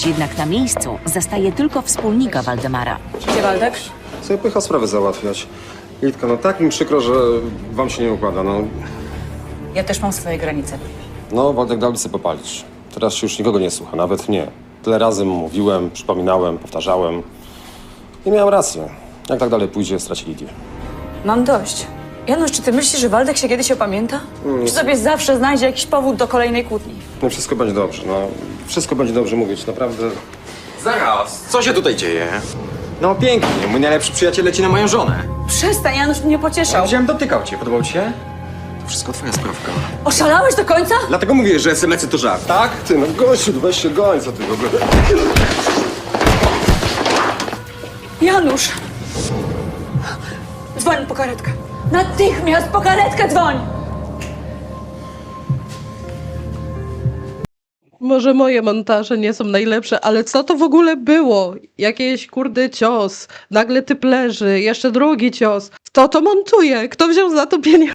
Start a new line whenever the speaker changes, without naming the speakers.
Jednak na miejscu zastaje tylko wspólnika Waldemara.
Gdzie Waldek?
Sobie pycha sprawę załatwiać. Litka, no tak mi przykro, że wam się nie układa, no.
Ja też mam swoje granice.
No, Waldek dał sobie popalić. Teraz się już nikogo nie słucha, nawet mnie. Tyle razy mu mówiłem, przypominałem, powtarzałem. I miałem rację. Jak tak dalej pójdzie, straci Lidię.
Mam dość. Janusz, czy ty myślisz, że Waldek się kiedyś opamięta? Czy sobie zawsze znajdzie jakiś powód do kolejnej kłótni?
No wszystko będzie dobrze, no. Wszystko będzie dobrze mówić, naprawdę.
Zaraz, co się tutaj dzieje? No pięknie, mój najlepszy przyjaciel leci na moją żonę.
Przestań, Janusz mnie pocieszał.
Wziąłem, dotykał cię, podobał ci się? To wszystko twoja sprawka.
Oszalałeś do końca?
Dlatego mówię, że SMS-y to żart, tak?
Ty, no gościu, weź się goń, co ty w ogóle.
Janusz! Dzwoń po karetkę. Natychmiast po karetkę dzwoń!
Może moje montaże nie są najlepsze, ale co to w ogóle było? Jakiś kurde cios, nagle typ leży, jeszcze drugi cios. Kto to montuje? Kto wziął za to pieniądze?